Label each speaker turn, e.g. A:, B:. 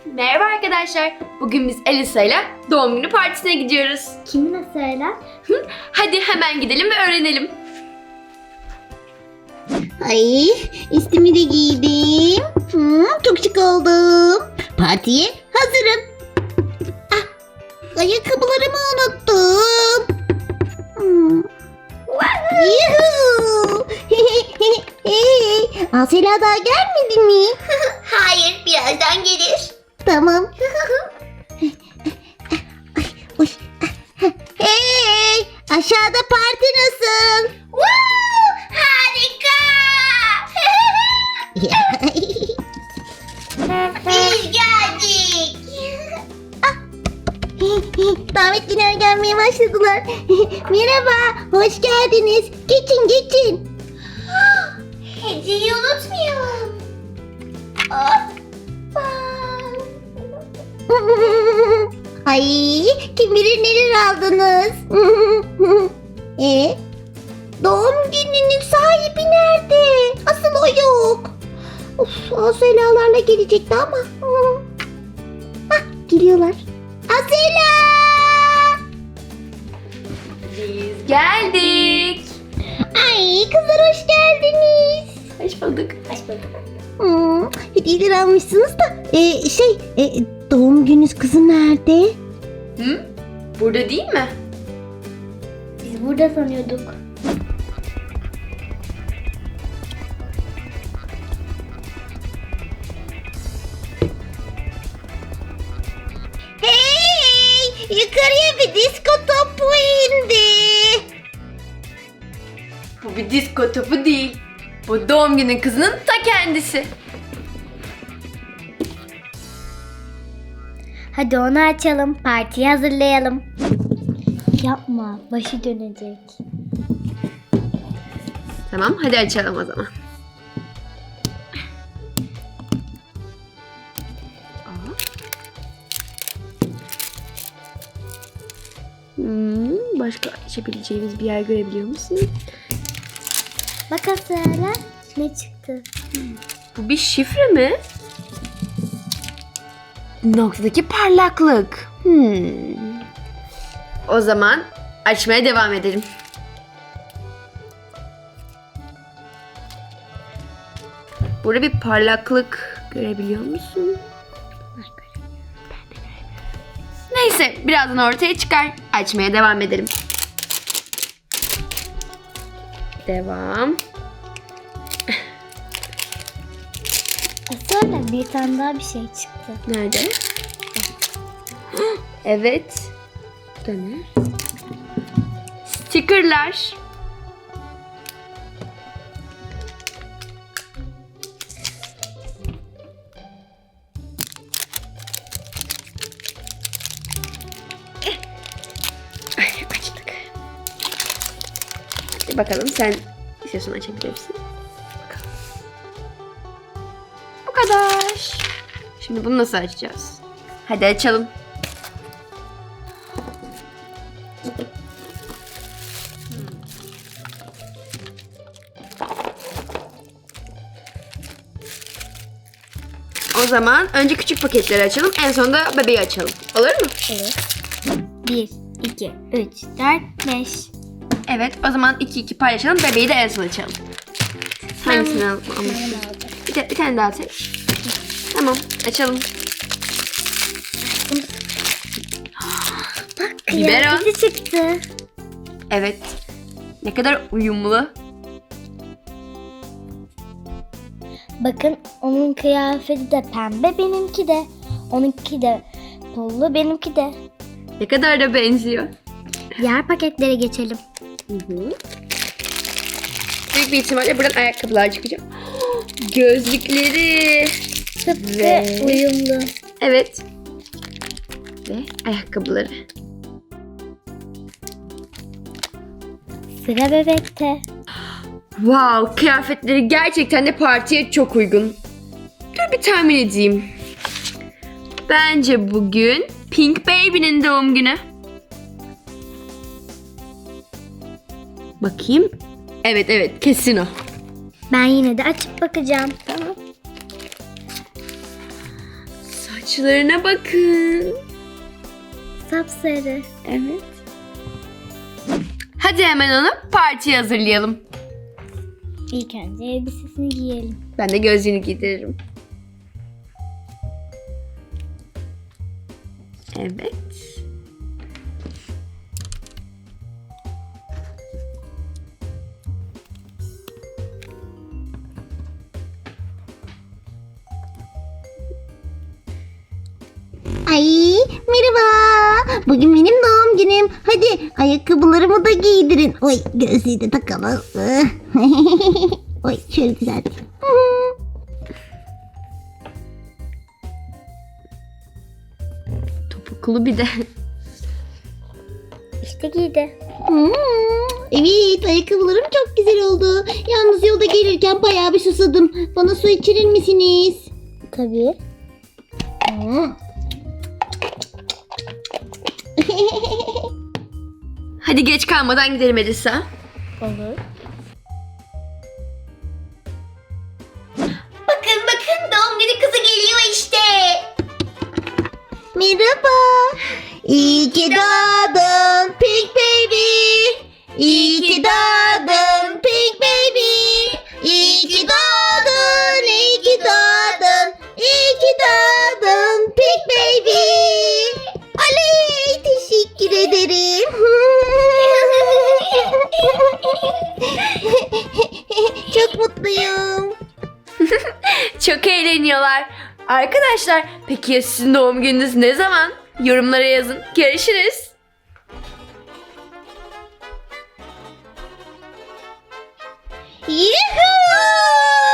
A: Merhaba arkadaşlar. Bugün biz Elisa ile doğum günü partisine gidiyoruz.
B: Kimi nasıl öyle?
A: Hadi hemen gidelim ve öğrenelim.
C: Ay, üstümü de giydim. Çok şık oldum. Partiye hazırım. Ayakkabılarımı unuttum. Yuhuu. Asela daha gelmedi mi?
B: Hayır, birazdan gelir.
C: Tamam. Oy. Hey, aşağıda parti nasıl?
B: Harika! Biz geldik.
C: Davetliler gelmeye başladılar. Merhaba, hoş geldiniz. Geçin, geçin.
B: Hediyeyi unutmayalım. Hoppa.
C: Ay, kim bilir neler aldınız. Doğum gününün sahibi nerede? Asıl o yok. Of, Aselalarla gelecekti ama. Geliyorlar. Asela!
A: Biz geldik.
C: Ay, kızlar hoş geldiniz.
A: Hoş bulduk.
B: Hoş bulduk.
C: Hediyeler almışsınız da doğum gününüz kızım nerede?
A: Burada değil mi?
B: Biz burada sanıyorduk.
C: Hey! Yukarıya bir disko topu indi.
A: Bu bir disko topu değil. Bu doğum günü kızının ta kendisi.
B: Hadi onu açalım, partiyi hazırlayalım. Yapma, başı dönecek.
A: Tamam, hadi açalım o zaman. Başka açabileceğimiz bir yer görebiliyor musun?
B: Bak Asela, ne çıktı?
A: Bu bir şifre mi? Noktadaki parlaklık. O zaman açmaya devam edelim. Burada bir parlaklık görebiliyor musun? Neyse, birazdan ortaya çıkar. Açmaya devam edelim. Devam.
B: Asela, bir tane daha bir şey çıktı.
A: Nerede? Evet. Döner. Stickerlar. Ay, açtık. Hadi bakalım, sen istiyorsan açabilirsin. Bakalım. Bu kadar. Şimdi bunu nasıl açacağız? Hadi açalım. O zaman önce küçük paketleri açalım. En sonunda bebeği açalım. Olur mu?
B: Evet. 1, 2, 3, 4, 5.
A: Evet. O zaman 2-2 paylaşalım. Bebeği de en son açalım. Hangisini alalım? Bir tane daha seç. Tamam. Açalım. Biberon.
B: Kıyafeti çıktı.
A: Evet. Ne kadar uyumlu.
B: Bakın onun kıyafeti de pembe, benimki de. Onunki de pullu, benimki de.
A: Ne kadar da benziyor.
B: Diğer paketlere geçelim.
A: Büyük bir ihtimalle buradan ayakkabılar çıkacak. Gözlükleri.
B: Tıpkı
A: Ve-
B: uyumlu.
A: Evet. Ve ayakkabıları.
B: Sıra bebekte.
A: Wow, kıyafetleri gerçekten de partiye çok uygun. Dur bir tahmin edeyim. Bence bugün Pink Baby'nin doğum günü. Bakayım. Evet kesin o.
B: Ben yine de açıp bakacağım.
A: Tamam. Saçlarına bakın.
B: Sapsarı.
A: Evet. Hadi hemen onu partiye hazırlayalım.
B: İlk önce elbisesini giyelim.
A: Ben de gözlüğünü giydiririm. Evet.
C: Ay merhaba. Bugün benim doğum günüm. Hadi ayakkabılarımı da giydirin. Oy gözlüğü de takalım. Oy şöyle güzel.
A: Topuklu bir de.
B: İşte giydi.
C: Evet ayakkabılarım çok güzel oldu. Yalnız yolda gelirken bayağı bir susadım. Bana su içirir misiniz?
B: Tabii.
A: Hadi geç kalmadan gidelim Elisa.
B: Olur.
C: Bakın doğum günü kızı geliyor işte. Merhaba. İyi ki doğdun Pink Baby. İyi ki doğdun Pink Baby. İyi ki doğdun, iyi ki doğdun. İyi ki doğdun Pink Baby. Oley, teşekkür ederim. Çok mutluyum.
A: Çok eğleniyorlar. Arkadaşlar peki ya sizin doğum gününüz ne zaman? Yorumlara yazın. Görüşürüz.
C: Yuhuu!